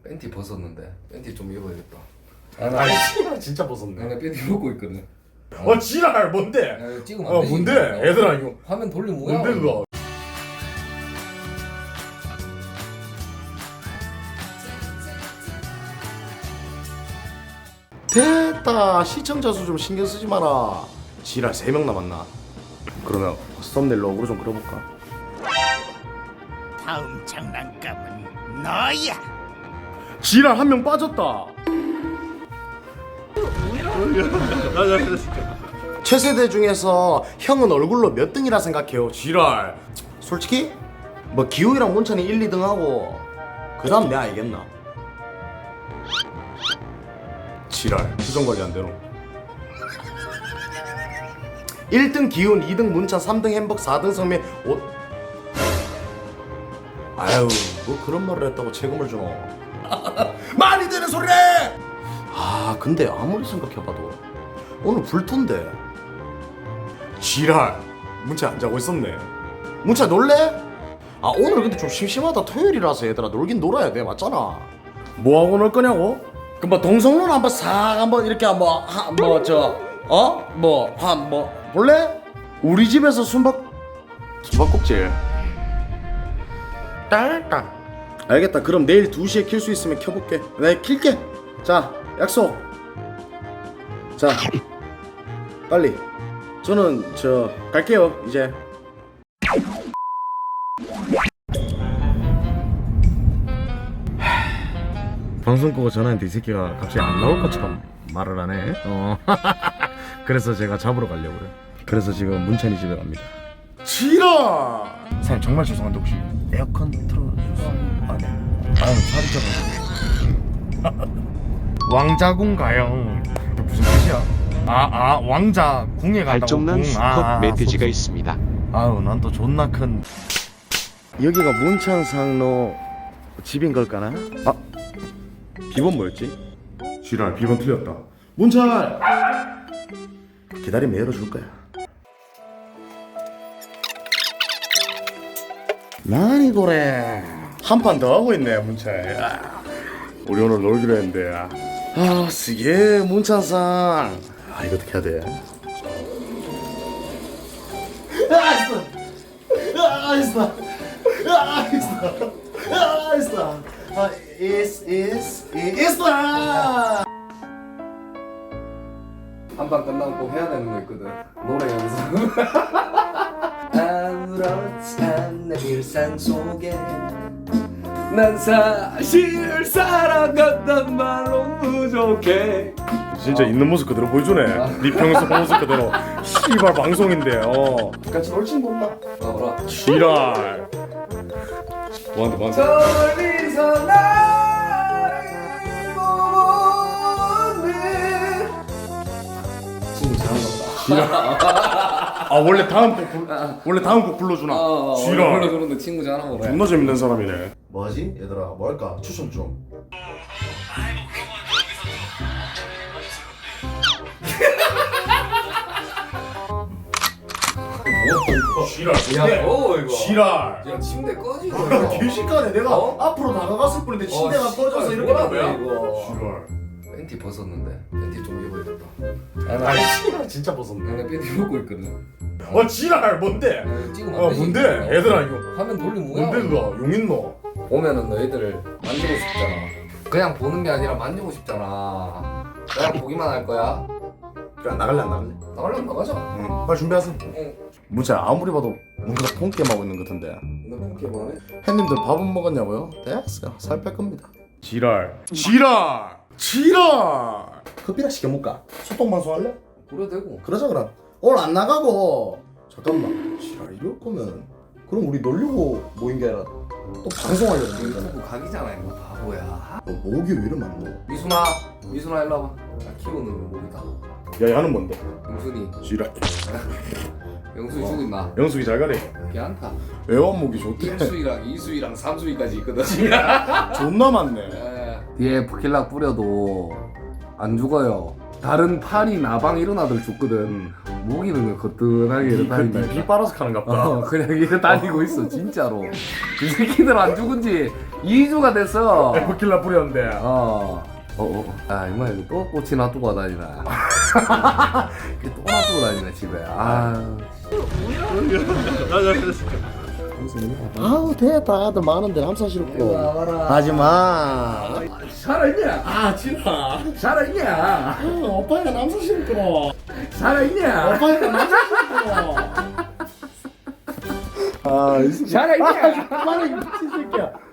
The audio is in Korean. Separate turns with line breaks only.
팬티 벗었는데 팬티 좀 입어야겠다.
아 씨발 진짜 벗었네.
내가 팬티 입고 있거든.
지랄 뭔데?
야, 찍으면 안 되지.
뭔데? 얘들아 이거
화면 돌리면 뭐야?
뭔데 그거? 됐다. 시청자 수 좀 신경 쓰지 마라. 지랄 3명 남았나? 그러면 썸네일 로고로 좀 그려볼까?
다음 장난감은 너야.
지랄 1명 빠졌다. 최세대 중에서 형은 얼굴로 몇 등이라 생각해요? 지랄. 솔직히 뭐 기호이랑 문찬이 1, 2등 하고 그 다음 내가 알겠나? 지랄 수정관리 안 되노. 1등 기훈, 2등 문찬, 3등 햄버거, 4등 성민, 아유 뭐 그런 말을 했다고 책임을 주노. 말이 되는 소리래. 아 근데 아무리 생각해봐도 오늘 불토인데. 지랄 문찬 안 자고 있었네. 문찬 놀래? 아 오늘 근데 좀 심심하다. 토요일이라서 얘들아 놀긴 놀아야 돼. 맞잖아. 뭐하고 놀 거냐고? 그럼 뭐 동성로를 한번 싹 한번 이렇게 한번 뭐 볼래? 우리 집에서 숨바꼭질 딸딸. 알겠다. 그럼 내일 2시에 킬 수 있으면 켜볼게. 내가 킬게. 자 약속. 자 빨리. 저는 갈게요 이제. 방송 끄고 전화했는데 이 새끼가 갑자기 안 나올 것처럼 말을 하네. 그래서 제가 잡으러 가려고요. 그래서 지금 문찬이 집에 갑니다. 지라! 사장님 정말 죄송한데 혹시 에어컨 틀어주세요. 아 네. 아유 살이 쪄가지고. 왕자궁 가요. 무슨 뜻이야? 왕자 궁에 간다고.
발정난 수컷 멧돼지가 있습니다.
아유 난 또 존나 큰. 여기가 문찬상로 집인 걸까나? 비번 뭐였지? 지랄 비번 틀렸다. 문찬! 기다리면 열어줄 거야. 난이 고래 한 판 더 하고 있네 문찬. 우리 오늘 놀기로 했는데 쓰게 문찬상. 이거 어떻게 해야 돼? 있어.
한판 끝나고 꼭 해야 되는 거 있거든. 노래 연습. 아무렇지 않은 일상 속에 난 사실 살아간단 말로 부족해.
진짜 있는 모습 그대로 보여주네. 네 평소 모습 그대로. 씨발 방송인데. 같이 놀진 못나.
뭐라?
지랄. 뭐한테.
저리서 나를 보는 친구 잘한다 보다.
지랄. 원래 다음 곡 불러주나. 지랄.
불러주는데 친구 잘하나 보다.
존나 재밌는 사람이네. 뭐하지? 얘들아 뭐 할까? 추천 좀. 지랄.
야, 이거.
지랄.
야, 침대 꺼지고.
개시간에 내가 앞으로 다가갔을 뿐인데 침대가 꺼져서 이렇게 된 거야?
이거.
지랄.
팬티 벗었는데 팬티 좀 입어야겠다.
아 씨발 진짜 벗었네.
내가 팬티 입고 있거든.
지랄 뭔데?
야, 찍으면 안 되지.
뭔데? 얘들아 이거
화면 돌리면 뭐야?
뭔데 그거? 용인노?
보면은 너희들을 만지고 싶잖아. 그냥 보는 게 아니라 만지고 싶잖아. 그냥 보기만 할 거야.
그래 나갈래 안 나갈래?
나가려면 나가자.
응. 빨리 준비하세요.
응.
문자 아무리 봐도 뭔가 폰게임 하고 있는 것 같은데.
너 팬티 뭐하네?
햇님들 밥은 먹었냐고요? 됐어요. 살 뺄 겁니다. 지랄. 커피나 시켜먹까? 소통 방송 할래?
그래 되고.
그러자 그럼. 오늘 안 나가고. 잠깐만. 지랄 이럴 거면 그럼 우리 놀려고 모인 게 아니라 또 방송하려고 모인 거잖아.
유튜브 각이잖아 이거 바보야.
너 목이 왜 이래 많노?
미순아 일로 와봐. 나 키우는 목이다.
야 야는 뭔데?
영순이.
지랄.
영순이 주고 있나?
영숙이 잘 가래.
괜찮다.
애완목이 좋대.
1수위랑 2수위랑 3수위까지 있거든.
존나 많네.
뒤에 부킬락 뿌려도 안 죽어요. 다른 파리 나방 이런 아들 죽거든. 모기는 거뜬하게 이렇게 다닌다.
비 빨아서 가는 갑다.
그냥 이렇게 다니고 있어 진짜로. 이 새끼들 안 죽은 지 2주가 됐어.
에프킬라 뿌렸는데.
아 이마 이거 또 꽃이 놔두고 다니나. 또 놔두고 다니네 집에.
아우 됐다. 아들 많은데 남사 싫고.
와봐라.
하지마.
살아있냐?
진아.
살아있냐?
오빠가 남사 싫고.
살아있냐?
오빠가 남사 싫고. 아, 이 새끼.
살아있냐?
그만해 미친 새끼야.